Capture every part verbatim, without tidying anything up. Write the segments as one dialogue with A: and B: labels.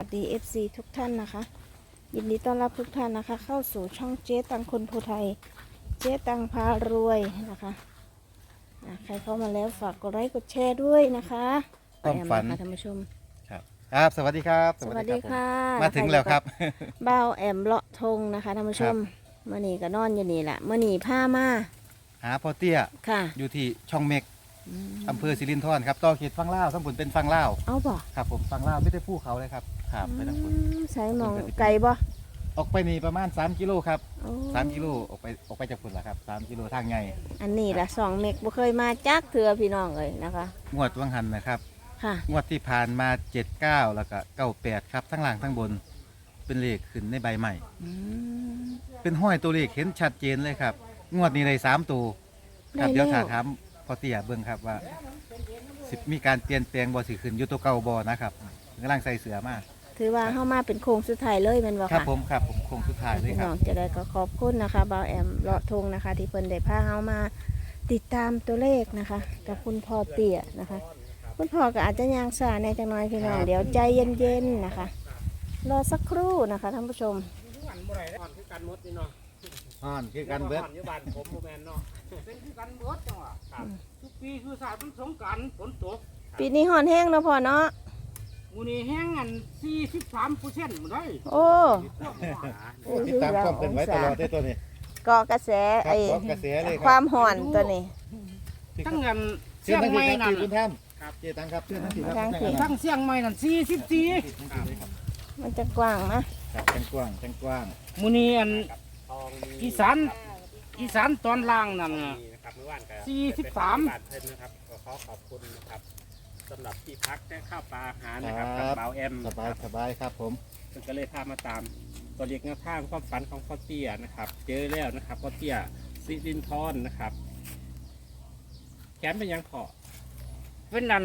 A: ดี เอฟ ซี ทุกท่านนะคะยินดีต้อนรับทุกท่านนะคะเข้าสู่ช่องเจ๊ตังคนภูไทยเจ๊ตังพารวยนะคะใครเข้ามาแล้วฝากกดไลค์กดแชร์ด้วยนะคะ
B: ความฝัน
A: แอมนะคะท่านผู้ชม
B: ครับครับสวัสดีครับ
A: สวัสดีค่ะ
B: มาถึงแล้วครับ
A: บ่าวแอมเลาะทงนะคะท่านผู้ชมเมื่อนี้ก็นอนอยู่นี่แหละเมื่อนี้ผ้ามา
B: หาพ่อเตี้ย
A: ค่ะ
B: อยู่ที่ช่องเมก
A: อืม
B: อำเภอสิรินธรครับต่อเขตฟังเล่าวทั้งผลเป็นฟังเล่าว
A: เอาบ่
B: ครับผมฟังเล่าวไม่ได้ภูเขาเลยครับครับไปทั้งผล
A: อืมใส่หมองไก่บ่
B: ออกไปนี่ประมาณสามกิโลครับ
A: โอ้
B: สามกิโลออกไปออกไปจากผลละครับสามกิโลทางไง
A: อันนี้ละสองเมกบ่เคยมาจักเถื่อพี่น้องเลยนะคะ
B: งวดวังหันนะครับ
A: ค่ะ
B: งวดที่ผ่านมาเจ็ดเก้าแล้วก็เก้าแปดครับทั้งล่างทั้งบนเป็นเลขขึ้นในใบใหม่
A: อืม
B: เป็นห้อยตัวเลขเห็นชัดเจนเลยครับงวดนี้ได้สามตัวครับ
A: ได้
B: เดี๋ยว
A: แล้ว
B: ถามถามพ่อเตี้ยเบิ่งครับว่าสิมีการเปลี่ยนแปลงบ่สิขึ้นอยู่ตัวเก่าบ่นะครับกำลังใส่เสื้อมา
A: ถือว่าเข้ามาเป็นโค้งสุดท้ายเลยแมันบ่
B: ครับ
A: ค่ะ
B: ผมครับผมคงสุดท้ายเลย
A: พี่
B: ครั
A: น้
B: บ
A: องจะได้ก็ขอบคุณนะคะบ่าวแอมเลาะทงนะคะ ที่เพิ่นได้พาเฮามาติดตามตัวเลขนะคะ กับคุณพ่อเตี้ยนะคะ คุณพ่อก็อาจจะยางสาในจังน้อยพี่น้อง
B: ครับ
A: เดี๋ยวใจเย็นๆนะคะ รอสักครู่นะคะท่านผู้ชม
C: กันบ่ได้ก่อนคือกันหมดนี่เนาะ
B: อ่อนคือกันเบิด
C: ก่อนอยู่บ้านผมบ่แม่นเนาะเป็นคือกันหมดจังหวะครับทุกปีคือศาสตร์มันสงกรานต์ฝนตก
A: ปีนี้ห่อนแห้งเนาะพ่อเนาะ
C: มื้อนี้แห้งอัน สี่สิบสามเปอร์เซ็นต์ บ่ได้
A: โอ้
C: พวกหมา
B: ติดตามความเป็นไว้ตลอดได้ตัวนี้
A: เกาะกระแส
B: ครับ
A: ไอ้
B: เกาะกระแสเลยค
A: ควา
B: รับ
A: มห่อนตัวนี้
C: ทั้งอัน
B: เชิ
C: เชี
B: ญ
C: ยง
B: ทั้ง
C: ใหม่
B: ที่ค
C: นั่
B: รับ
C: น
B: ที่คุณท่าน
C: ครับ
B: เจตังครับเชิญทั้งที่ครับ
A: ทางที่
C: ทั้งเชียงใหม่นั่นสี่สิบสี่
A: มันจะกว้างนะ
B: ครับจังกว้างจังกว้าง
C: มื้อนี้อันอีสานอีสานตอนล่างนั่น
D: นะครับเมื่อวานก็
C: สี่สิบสาม
D: บาทเพิ่นนะครับก็ขอขอบคุณนะครับสำหรับที่พักและข้าวปลาอาหารนะครับกับเบาแอม
B: สบายสบายครับผม
D: เพิ่นก็เลยพามาตามตัวเลขแนวทางความฝันของพ่อเตี้ยนะครับ เจอแล้วนะครับพ่อเตี้ยสิรินทรนะครับแขนเป็นยังพอ
C: เป็นนั่น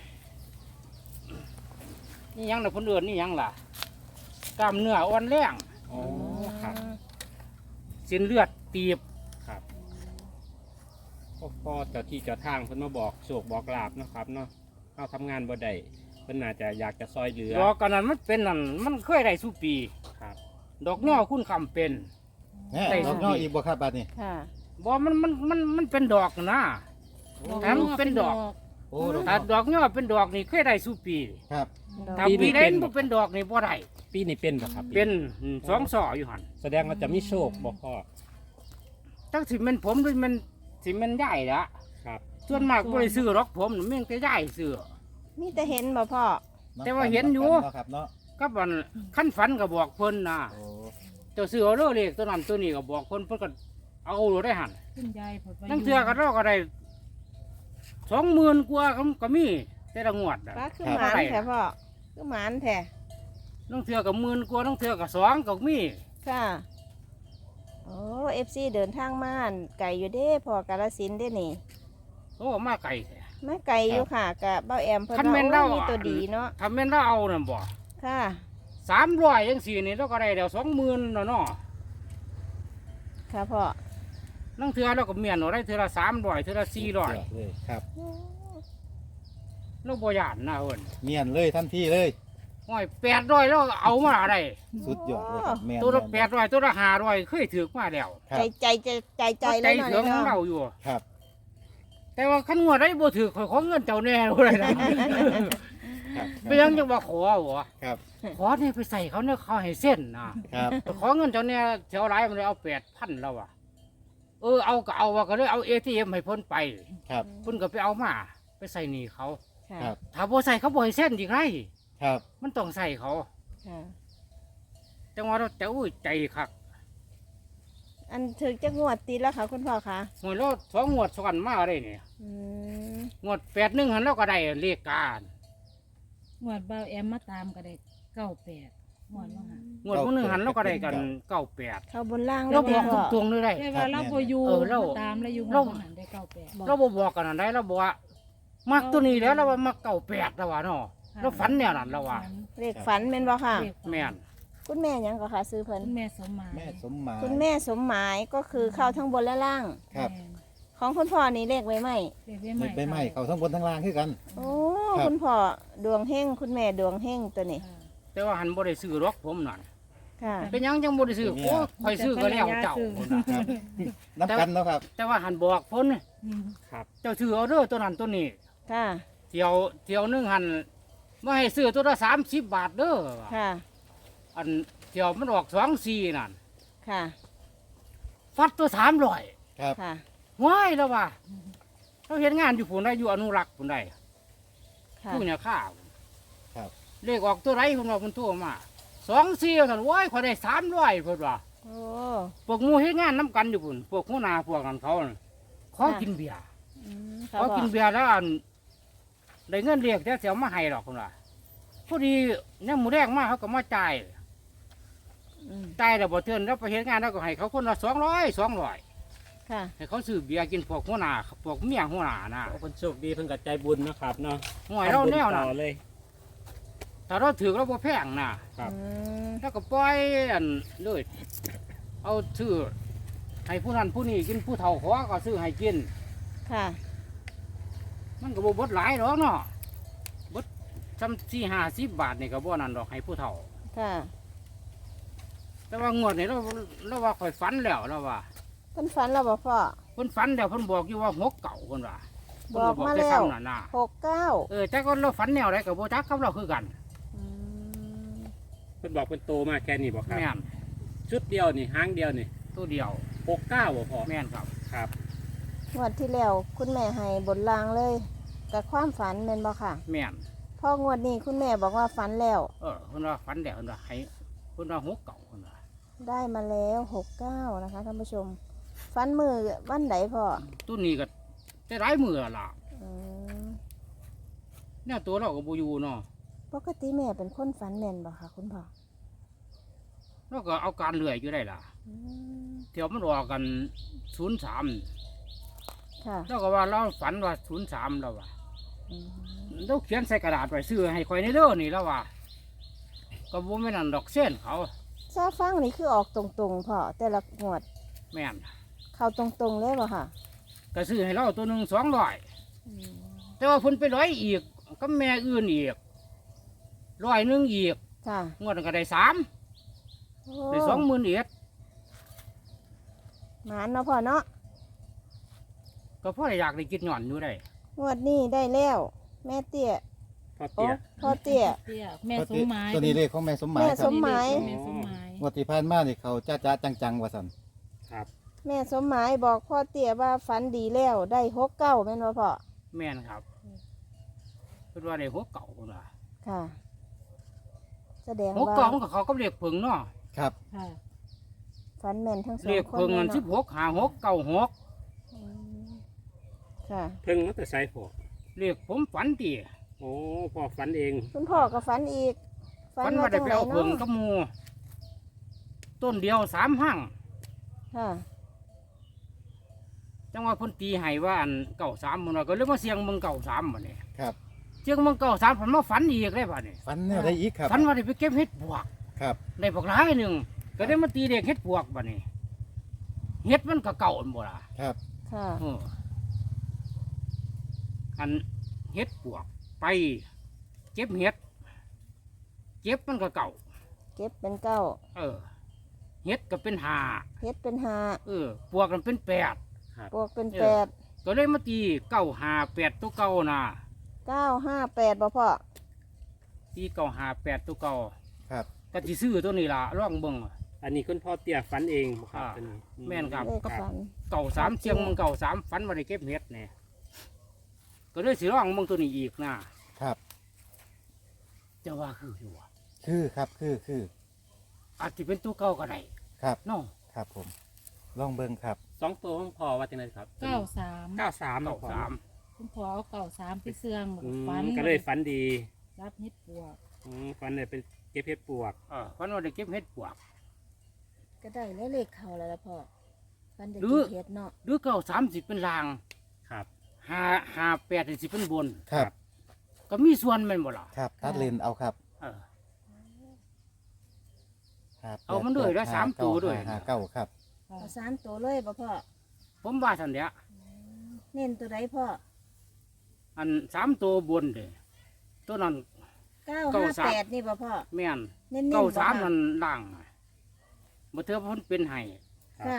C: นี่ยังน่ะเพิ่นเอิ้นนี่ยังล่ะกล้ามเนื้ออ่อนแรง
D: อ๋อครับ
C: เส้นเลือดตีบ
D: ครับพ่อพ่อเจ้าที่เจ้าทางเพิ่นมาบอกโชคบอกลาบนาะครับเนาะเข้าทำงานบ่ได้เพิ่นน่าจะอยากจะซอยเหลือ
C: ดอกกันนั้นมันเป็นนั่นมันเคยได้สุปี
D: ครับ
C: ดอกย่อคุณคำเป็น
B: แน่
C: ได้
B: ดอกย่ออีกบ่ครับบัดนี้
A: ค่ะ
C: บ่มันมันมันมันเป็นดอกนะถ้ามันเป็นดอก
B: โอ้ดอก
C: ถ้าดอกย่อเป็นดอกนี่เคยได้สุปี
B: ครับ
C: ถ้าปีใดมันบ่เป็นดอกนี่บ่ได้
D: ปีนี้เป็นบ่ครับ
C: เป็นสองศออยู่หั่น
D: แสดงว่าจะมีโชคบ่พ่อ
C: จักสิแม่นผมหรือมันสิแม่นใหญ่ละ
D: ครับ
C: ส่วนมากบ่ได้ซื้อหรอกผมนี่มันก็ใหญ่ซื้อ
A: มีแต่เห็นบ่พ่อ
C: แต่ว่าเห็นอยู่
B: เนาะครับเนาะ
C: ก็มันขั้นฝันก็บอกเพิ่นนะ
B: โอ้
C: เจ้าซื้อเอาเด้อเลขตัวนั้นตัวนี้ก็บอกเพิ่นเพิ่นก็เอาโลได้หั่น
E: คุณยายผล
C: ตั้งเทื่อก็เราก็ได้สองหมื่นกว่าก็ก็มีแต่ละงวดอ่ะ
A: ป้าคือหมานแท้พ่อคือหมานแท้
C: ตั้งเทื่อก็หมื่นกว่าตั้งเทื่อก็สองก็มี
A: ค่ะโอ้เอฟซีเดินทางมาอั่นไก่อยู่เด้พ่อกาลสินธุ์เด้นี่
C: โอ้มาไกลแท้
A: ไม่ไก่อยู่ค่ะกับเบ้าแอมเพิ่น
C: คันแม่น
A: ว่า
C: เรา
A: โอ้มีตัวดีเนาะ
C: ถ้าแม่นเราเอาน่ะบ่
A: ค่ะ
C: สามร้อยจังสี่นี่เราก็ได้แล้วสองหมื่นเนาะเนาะ
A: ค่ะพ่อ
C: ตั้งเทื่อเราก็เมียนเอาได้เทื่อละสามร้อยเทื่อละสี่ร้อย
B: เลยครับ
C: เราบ่ย่านนะเอิ้น
B: เมียนเลยทันทีเลย
C: ห้อยแปดร้อยเราเอามาได้
B: สุดยอดเลยครับแม่น
C: ตัวละ
B: ม่น
C: แปดร้อยตัวละห้าร้อยเคยถือมาแล้ว
B: ครั
A: ใจ
B: บ
A: ใจใจใจใจ
C: ใจ
A: เลยเนาะ
C: ถึง
A: นี่
C: ของ
A: เนาะ
C: เราอยู่
B: ครับ
C: แต่ว่าขั้นงวดได้บ่ถือขอยขอเงินเจ้าแน่เลยนะ
B: ครับ
C: ไปยังจะว่าขอหัว
B: ครับ
C: ขอเนี่ยไปใส่เขาเนี่ยเขาให้เส้นนะครับ ไปขอเงินเจ้าเนี่ยเท่าไรมันเลยเอาแปดพันแล้วอ่ะเออเอาก็เอาว่าก็เลยเอาเอทีเอ็มให้เพ้นไป
B: ครับ
C: เพ้นก็ไปเอามา ไปใส่หนี้เขา
A: ค่ะ
B: ครับ
C: ถ้าบ่ใส่เขาบ่ให้เส้นอีกไร
B: ครับ
C: มันต้องใส่เขา
A: ค่ะ
C: จังว่าเราจะอุ้ยใจคัก
A: อันถึงจะงวดติดแล้วค่ะคุณพ่อคะ
C: หวยเราสองงวดซ้อนมาได้เนี่ย
A: อืม
C: งวดแปดหนึ่งหันเราก็ได้เลขการ
E: หวดเบาแอมมาตามก็ได้เก้าแปดหวดว่าหัน
C: งวดพวกหนึ่งหันเราก็ได้กันเก้าแปด
A: เข้าบนล่าง
C: เรา
A: เลย
C: บอก
A: พ่อ
C: ตรงๆเลยได้
E: แต่ว่าเราพออยู่
C: เออเรา
E: มาตามแล้วอยู่
C: เรา
E: หัวหันได้เก้าแปด
C: เราบบอกกันอะไรเราบอกว่ามักตัวนี้แล้วเราว่ามักเก่าแปดแล้วว่าเนาะเราฝันเนี่ยนั่นเราว่า
A: เลขฝันแม่นบ่ค่ะ
E: เรียกฝัน
C: แม่น
A: คุณแม่หยังก็ค่ะซื้อเพิ่น
E: คุณแม่สมหมาย
B: แม่สมหมาย
A: คุณแม่สมหมายก็คือเข้าทั้งบนและล่าง
B: ครับ
E: แม่
A: ของคุณพ่อนี่เลขไว้ไหม
E: เรียกได้
B: ไม่ไปไหมเขาทั้งบนทั้งล่างคือกัน
A: โอ้
B: ครับ
A: คุณพ่อดวงเฮงคุณแม่ดวงเฮงตัวนี้
E: ค่ะ
C: แต่ว่าหันบ่ได้ซื้อหรอกผมนั่น
A: ค่ะ
C: เป็นหยังจังบ่ได้ซื้อโอ้ข่อยซื้อก็แล้วเจ้าพุ่นน่ะ
B: ครับน้ำกันเนาะครับ
C: แต่ว่าหันบอกเพิ่น
E: อืม
D: ครับ
C: เจ้าซื้อเอาเด้อตัวนั้นตัวนี้
A: ค่ะ
C: เที่ยวเที่ยวหนึงหันบ่ให้ซื้อตัวละสามสิบบาทเด้อว่ะ
A: ค่ะ
C: อันเที่ยวมันออกสองสี่นั่น
A: ค่ะ
C: ฟัดตัวสามร้อย
B: ครับ
A: ค่ะ
C: ว้ายแล้วว่าเขาเห็นงานอยู่ผู้ใดอยู่อนุรักษ์ผู้ใด
A: ค่ะ
C: ผู้เนี่ยข้าว
B: ครับ
C: เลขออกตัวไรคนว่าคนโทั่วมาสองสี่ท่านว้ายขอยได้สามร้อยเพิ่นว่า
A: โอ้
C: พวกหมูเฮ็ดงานน้ำกันอยู่พุ่นพวกหัวหน้าพวกนั้นเขาน่ะขอ
A: ค่ะ
C: กินเบียร์
A: อืม
C: ขอกินเบียร์แล้วอันได้เงินเรียกแต่เสียวมาให้หรอกคนว่าพอดีเนี่ยหมูแดงมาเขาก็มาจ่าย
A: อืม
C: จ่ายแล้วบ่เทือนแล้วไปเฮ็ดงานแล้วก็ให้เขาคนละสองร้อยสองร้อย
A: ค่ะ
C: ให้เขาซื้อเบียร์กินพวกหัวหน้าพวกเมียหัวหน้านะ
D: คนโชคดีเพิ่นก็ใจบุญนะครับเนาะ
C: ห่วยเราแนว
D: ทำบุญ
C: น่ะ
D: ต่อเลย
C: ถ้าเราถือเราบ่แพงน่ะ
D: ครับ
A: อืม
C: แล้วก็ปล่อยอันเลยเอาซื้อให้ผู้นั้นผู้นี้กินผู้เฒ่าขอก็ซื้อให้กิน
A: ค่ะ
C: มันก็บ่เบดหลายหรอกเนาะเบดซ้ำสี่ห้าสิบบาทนี่ก็บ่นั่นดอกให้ผู้เฒ่า
A: ค่ะ
C: แต่ว่างวดนี่เราเราว่าข่อยฝันแล้วเราว่า
A: เพิ่นฝันแล้วบ่พ่อ
C: เพิ่นฝันแล้วเพิ่นบอกอยู่ว่าหกเก่าเพิ่นว่า
A: บอกมา
C: เพิ่น
A: แล้ว
C: ต่ซ้ำนั่นน่ะ
A: หกเก้า
C: เออแต่ก็เราฝันแนวใดก็บ่จักกับเราคือกัน
A: อืม
D: เพิ่นบอกเป็นโตมาแค่นี้บอกครับ
C: แม่น
D: ชุดเดียวนี่ห้างเดียวนี่
C: ตัวเดียว
D: หกเก้าบ่พอ
C: แม่นครับ
D: ครับ
A: งวดที่แล้วคุณแม่ให้บนรางเลยกับความฝันเป็นบ่ค่ะ
C: แม่น
A: พ่องวดนี้คุณแม่บอกว่าฝันแล้ว
C: เออเพิ่นว่าฝันแล้วเพิ่นว่าให้เพิ่นว่าหกเก่าเพิ่นว่า
A: ได้มาแล้วหกเก้านะคะท่านผู้ชม ฝันมือวันไหนพ่อ
C: ตัวนี้ก็ได้หลายมื้อแล้วล่ะ
A: อืม
C: แนวตัวเราก็บ่อยู่เนาะ
A: ปกติแม่เป็นคนฝันแม่นบ่ค่ะคุณพ่อ
C: เราก็เอาการเลื่อยอยู่ได้ล่ะ
A: อืม
C: เที่ยวมันออกกันศูนย์สาม
A: ค่ะ
C: เราก็ว่าเราฝันว่าศูนย์สามเราว่า
A: อืม
C: เราเขียนใส่กระดาษไว้ซื้อให้คอยในเด้อนี่แล้วว่าก็บ่แม่นอั่นดอกเส้นเขา
A: ซาฟังนี่คือออกตรงๆพ่อแต่ละงวด
C: แม่น
A: เข้าตรงๆเลยบ่ค่ะ
C: ก็ซื้อให้เราตัวหนึ่งสองร้อย
A: อืม
C: แต่ว่าเพิ่นไปร้อยอีกก็แม่อื่นอีกร้อยหนึงอีก
A: ค่ะ
C: งวดนั้นก็ได้สาม
A: โอ้
C: ได้สองหมื่นเอ็ด
A: หมานเนาะพ่อเนาะ
C: ก็พ่อได้อยากได้กินหย่อนอยู่ได้
A: งวดนี้ได้แล้ว แม่เตี้ย
D: พอ
A: โอ้
D: เตี้ย
A: พ่อเตี้ย
E: เตี้ยแม่สมหมาย
B: ตัวนี้เลขของแม่สมหมาย
A: แม่
B: ค
A: ส
B: รับ
A: มหมาย
E: แม่สมหมาย
B: งวดที่ผ่านมานี่เขาจ้าจ้าจังๆว่าสัน
D: ครับ
A: แม่สมหมายบอกพ่อเตี้ยว่าฝันดีแล้วได้หกเก้าแม่นบ่พ่อ
C: แม่นครับเพิ่นว่าได้หกเก่าพุ่นว่า
A: ค่ะ แสดง
C: หก
A: ว่า
C: เก่ามันก็เขาก็เรียกเพิงเนาะ
B: ครับ
E: ค่ะ
A: ฝันแม่นทั้งสอง
C: เรียก
A: คน
C: เพิง
A: เล
C: เงิ
A: ย
C: นสิบ
A: เนาะ
C: หกหาหกเก้าหก
A: อืมค่ะ
D: เพิ่งมาแต่ไซพอ
C: เรียกผมฝันตี
D: โอ้พอฝันเอง
A: คุณพ่อก็ฝันอีก
C: ฝันว่าได้
A: จัง
C: ไป
A: ไหน
C: เอาเพิง
A: เนาะ
C: กับหมูต้นเดียวสามห้าง
A: ค่ะ
C: จังว่าเพ่นตีให้ว่าอันเก่าสามมันว่าก็เลยมาเสียงเมืองเก่าสามมันนี่
B: ครับ
C: เสียงเมืองเก่าสามผมมาฝันอีกเลยบ่เนี่ย
B: ฟันแนวได้อีกครับ
C: ฝันว่าได้ไปเก็บเห็ดปวก
B: ครับ
C: ได้ปลอกร้ายหนึ่งก็ได้มาตีเด็กเห็ดปวกบ่เนี่ยเห็ดมันก็เก่าอันบ่ล่ะ
B: ครับ
A: ค่ะ
C: เอออันเห็ดปวกไป เก็บเห็ดเก็บมันก็เก่า
A: เก็บเป็นเก้า
C: เออเห็ดก็เป็นหา
A: เฮ็ดเป็นห้า
C: เออปวกมันเป็นแปด
A: บวกเป็น
C: เออ
A: แปด
C: ก็เลยมาตีเก้าหาแปดตัวเก่านะ
A: เก้าห้าแปดบ่พ่อ
C: ตีเก้าหาแปดตัวเก่า
B: ครับ
C: ก็สิซื้อตัวนี้ล่ะร่องเบิ่ง
D: อันนี้คุณพ่อเตี้ยฝันเองบ่ครับ
C: อ่า
D: ตัวนี้อื
C: แม่นครับ
A: เลขฝัน
C: เก่าสามเชียงมึงเก่าสามฝันมาได้เก็บเห็ดเนี่ยก็เลยสิร่องมึงตัวนี้อีกนะครับ จะว่าคืออยู่ว่ะ
B: คือครับคือคือ
C: อาจจะเป็นตัวเก่าก็ได้
B: ครับ
C: เนาะ
B: ครับผมลองเบิ่งครับ
D: สองตัวของพ่อว่าจังไดครับ
E: เก้าสาม
D: เก้าสาม
C: เก่าสาม
E: คุณพ่อเอาเก้าสามไปเสื่อง
D: อืม
E: ฝัน
D: ก็เลยฝันดี
E: รับเฮ็ดปวก
D: อืมฝันเลยเป็นเก็บเพชรปวก
C: เออฝันว่าได้เก็บเห็ดปวก
A: ก็ได้แล้วเลขเข้าแล้วล่ะพ่อฝันได้
C: หรื
A: กิ
C: อ
A: นเฮ็ดเนาะ
C: หรือเก่าสามสิบเป็นลาง
D: ครับ
C: หาหาแปดสิเป็นบน
B: ครับ
C: ก็มีส่วนแมันบ่ล่ะ
B: ครับตัดเลนเอาครับ
C: เออ
B: ครับ
C: เอามันด้วยแล้วสามตัวด้วย
B: ห้าเก้าครับ
E: ค่ะ
A: เอาสามตัวเลยบ่พ่อ
C: ผมว่าทันเดีย
A: เน้นตัวใดพ่อ
C: อันสามตัวบนเด้ตัวนั้น
A: เก้า
C: เก้า
A: ห้า
C: สาม
A: แปดนี่บ่พ่อ
C: แม่น
A: เน้นๆ
C: เก้า
A: บ่
C: สาม
A: ค่ะ
C: นั่นล่างน่ะบ่เทื่อเพิ่นเป็นไห้
A: ค่ะ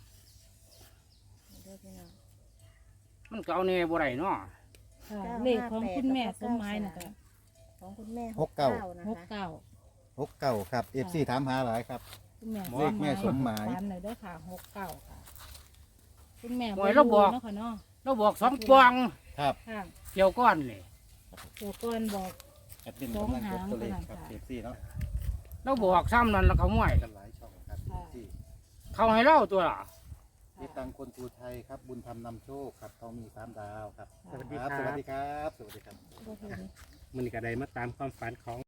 C: มันก็เอาแน่บ่ได้เนาะ
E: ค่ะ
A: เก้า
E: เลขของ
A: ห้าแปด
E: คุณแม่
A: แล้วก็
E: สมหมายนะ
A: เก้า
E: คะ
A: สาม ของคุณแม่
B: หกเก้า
A: นะ
E: หก
A: คะ
E: เก้า
B: หกเก้าครับ เอฟซีถามหาหลายครับ
E: คุณแม่
B: เลขแม่สมหมาย
E: ตามหน่อยเด้อค่ะหกเก้าค่ะ คุณแม่
C: หวยเราบอก
E: เนาะค่ะเนาะ
C: เราบอกสองปอง
B: ครับ
E: ค่ะ
C: เกี่ยวก้อนนี่
E: เดี๋ยวก่อนบอก
B: แอดมินกำลังจดตัวเลขครับ
E: สองหาง
B: เอฟซีเนาะ
C: เราบอกซ้ำนั่นแล้วเขาห่วย
B: กันหลายช่องครับเอฟซี
C: เขาให้เล่าตัวล่ะ
B: เจ๊ตังคนภูไทยครับ บุญธรรมนำโชคครับเขามีสามดาวครับ
D: สวัสดี
B: ครับ
D: ค
B: ส
D: รั
B: วัส
D: บ
B: ดีครับ สวัสดีครับ
D: มันก็ได้มาตามความฝันของ